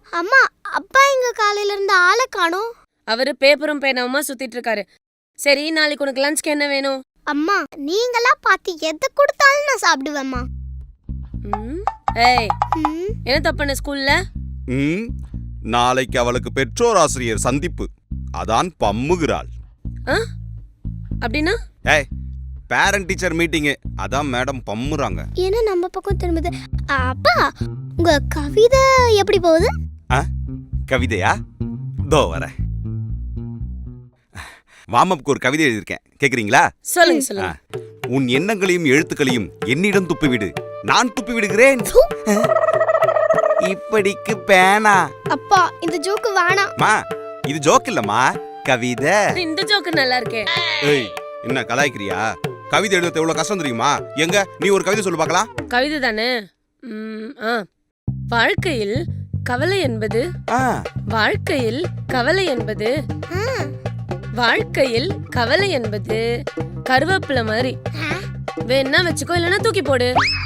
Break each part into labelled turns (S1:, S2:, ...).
S1: அம்மா, அப்பா எங்க காலையில இருந்து ஆளை காணோம்.
S2: அவரு பேப்பரும் பேனாவுமா சுத்திட்டு இருக்காரு. சரி, நாளைக்கு உனக்கு லஞ்ச்க்கு என்ன வேணும்?
S1: அம்மா, நீங்களா பார்த்து எதை கொடுத்தாலும் நான் சாப்பிடுவேம்மா.
S2: ஏய், என்ன தப்புன ஸ்கூல்ல?
S3: நாளைக்கு அவளுக்கு பெற்றோர் ஆசிரியர் சந்திப்பு, அதான் பம்முகிறாள்.
S2: அப்படின்னா?
S3: ஏய், பேரண்ட் டீச்சர் மீட்டிங், அதான் மேடம் பம்முறாங்க.
S1: ஏன்னா நம்ம பக்கம் திரும்புது. அப்பா, உங்க கவிதை எப்படி போகுது?
S3: கவிதையா? தோ வர. வாமப்புக்கு ஒரு கவிதை எழுதியிருக்கேன், கேக்குறீங்களா?
S2: சொல்லுங்க சொல்லுங்க.
S3: உன் எண்ணங்களையும் எழுத்துக்களையும் என்னிடம் துப்பிவிடு, நான் துப்பி விடுகிறேன். இப்படிக்கு பேனா.
S1: அப்பா, இந்த ஜோக்கு வேணாம்.
S3: மா, இது ஜோக் இல்லம்மா, கவிதை.
S2: இந்த ஜோக்கு நல்லா இருக்கே.
S3: ஏய், என்ன கலாய்க்கிறியா? கவிதை எழுதுறது எவ்வளவு கஷ்டம் தெரியுமா? எங்க நீ ஒரு கவிதை சொல்லு பார்க்கலாம்.
S2: கவிதை தானே? வாழ்க்கையில் கவலை என்பது வாழ்க்கையில் கவலை என்பது வாழ்க்கையில் கவலை என்பது கருவேப்பிலை மாதிரி. வேணா வச்சுக்கோ, இல்லைன்னா தூக்கி போடு.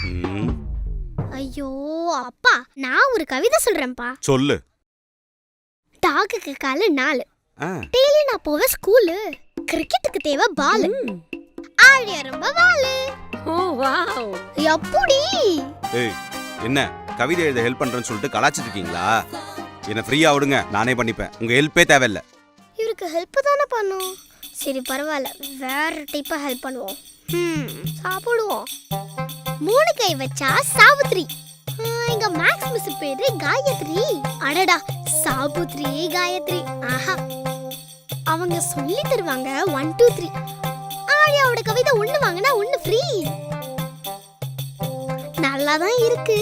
S1: ஐயோ அப்பா, நான் ஒரு கவிதை சொல்றேன்ப்பா.
S3: சொல்லு.
S1: டாக்குக்கு கால 4, டெய்லி நான் போவேன் ஸ்கூலு. கிரிக்கெட்டுக்கு தேவை பால், ஆழியா ரொம்ப வாலு.
S2: ஓ வாவ்,
S1: எப்படி?
S3: ஏய், என்ன கவிதை எழுத ஹெல்ப் பண்றேன்னு சொல்லிட்டு கலாச்சிட்டு இருக்கீங்களா? என்ன ஃப்ரீயா விடுங்க, நானே பண்ணிப்பேன். உங்க ஹெல்ப்பே தேவையில்லை.
S1: இவருக்கு ஹெல்ப் தானே பண்ணும். சரி பரவாயில்ல, வேற டைப்பா ஹெல்ப் பண்ணுவோம். சாப்பிடுவோம். 3 கை வச்சா சாவித்ரி. எங்க மேக்ஸ் மிஸ் பேரு காயத்ரி. அடடா, சாபுத்ரி காயத்ரி. ஆஹா, அவங்க சொல்லி தருவாங்க 1 2 3. ஆழியாவோட கவிதை 1 வாங்கினா 1 ஃப்ரீ. நல்லாதான் இருக்கு.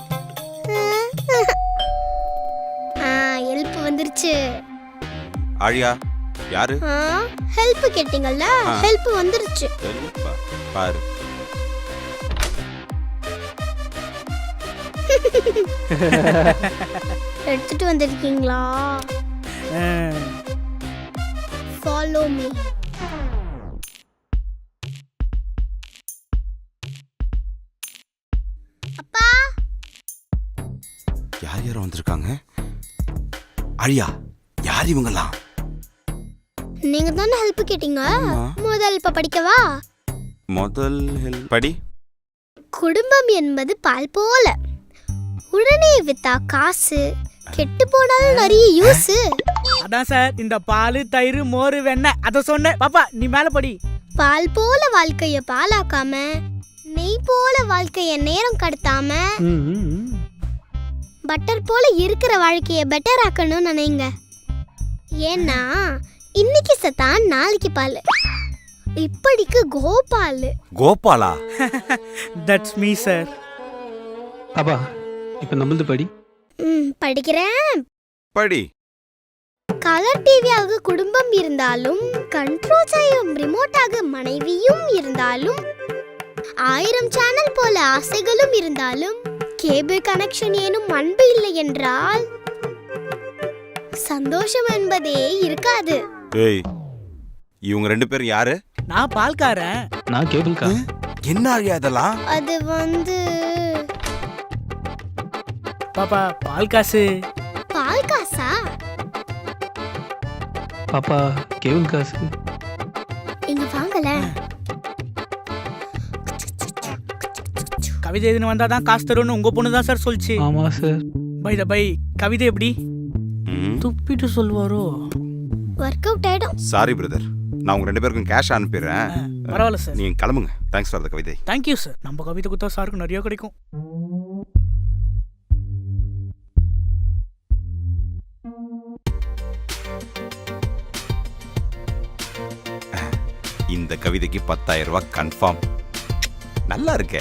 S1: ஹெல்ப் வந்துருச்சு.
S3: ஆழியா யாரு?
S1: ஹெல்ப் கேட்டிங்கல்ல, ஹெல்ப் வந்துருச்சு.
S3: பாரு.
S1: எடுத்துட்டு வந்திருக்கீங்களா? Follow me. அப்பா,
S3: யார் யாரும் வந்திருக்காங்க? ஆழியா, யார் இவங்கலாம்?
S1: நீங்க தானே ஹெல்ப் கேட்டீங்க. முதல் இப்ப படிக்கவா?
S3: முதல் ஹெல்ப் படி.
S1: குடும்பம் என்பது பால் போல, உடனே வித்தா காசு, கெட்டு போனாலும் நிறைய யூஸ்.
S4: அதான் சார், இந்த பால் தயிர் மோர் வெண்ணெய் அத சொன்னேன். பாப்பா நீ மேல படி.
S1: பால் போல வாழ்க்கைய பாலாக்காம, நெய் போல வாழ்க்கைய நேரம் கடத்தாம, பட்டர் போல இருக்கிற வாழ்க்கைய பெட்டர் ஆக்கணும்னு நினைங்க. ஏன்னா இன்னைக்கு சத்தான் நாளைக்கு பால். இப்படிக்கு கோபால்.
S3: கோபாலா?
S4: That's me sir.
S5: அப்பா இப்ப நம்மளது படி.
S1: படிக்கிறேன்.
S3: படி.
S1: கலர் டிவியாக குடும்பம் இருந்தாலும், கண்ட்ரோல் செய்யும் ரிமோட்டாக மனைவியும் இருந்தாலும், 1000 சேனல் போல ஆசைகளும் இருந்தாலும், கேபிள் கனெக்ஷன் ஏனும் அன்பு இல்லை என்றால் சந்தோஷம் என்பதே இருக்காது.
S3: ஏய், இவங்க 2 பேரும் யாரு?
S4: நான் பால்காரன்.
S5: நான் கேபிள்கா.
S3: என்ன ஆழியா இதெல்லாம்?
S1: அது வந்து
S4: பாப்பா பால் காசு.
S1: பால் காசா?
S5: பாப்பா கேபிள் காசு.
S1: இங்க வாங்கல.
S4: கவிதை எதுன்னு வந்தா தான் காசு தரும்னு உங்க பொண்ணு தான் சார் சொல்லுச்சு.
S5: ஆமா சார்.
S4: பை த பை, கவிதை எப்படி துப்பிட்டு சொல்வாரோ?
S1: வொர்க் அவுட் ஆயிடும்.
S3: சாரி பிரதர், நான் உங்க 2 பேருக்கும் கேஷ் அனுப்பிடுறேன்.
S4: பரவாயில்ல சார்,
S3: நீங்க கிளம்புங்க. தேங்க்ஸ் ஃபார் தி கவிதை.
S4: Thank you sir. நம்ம கவிதை கொடுத்தா சாருக்கு நிறைய கிடைக்கும்.
S3: இந்த கவிதைக்கு 10,000 ரூபாய் கன்ஃபார்ம். நல்லா இருக்கே.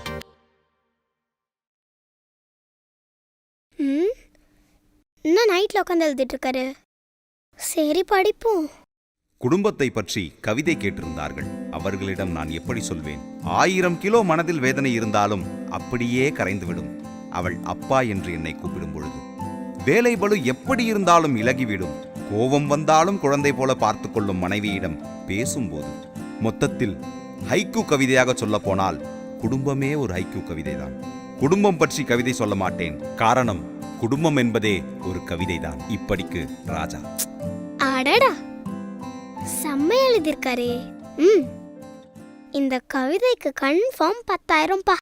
S1: இன்னும் நைட்ல உட்காந்து எழுதிட்டு இருக்காரு. சரி படிப்போம்.
S3: குடும்பத்தை பற்றி கவிதை கேட்டிருந்தார்கள். அவர்களிடம் நான் எப்படி சொல்வேன்? 1000 கிலோ மனதில் வேதனை இருந்தாலும் அப்படியே கரைந்துவிடும் அவள் அப்பா என்று என்னை கூப்பிடும் பொழுது. வேலை பளு எப்படி இருந்தாலும் இலகிவிடும். கோபம் வந்தாலும் குழந்தை போல பார்த்து கொள்ளும் மனைவியிடம் பேசும்போது. மொத்தத்தில் ஹைக்கூ கவிதையாக சொல்ல போனால் குடும்பமே ஒரு ஹைக்கூ கவிதைதான். குடும்பம் பற்றி கவிதை சொல்ல மாட்டேன். காரணம், குடும்பம் என்பதே ஒரு கவிதைதான். இப்படிக்கு ராஜா.
S1: அடடா, செம்ம எழுதியிருக்காரே. இந்த கவிதைக்கு கன்ஃபார்ம் 10,000 பா.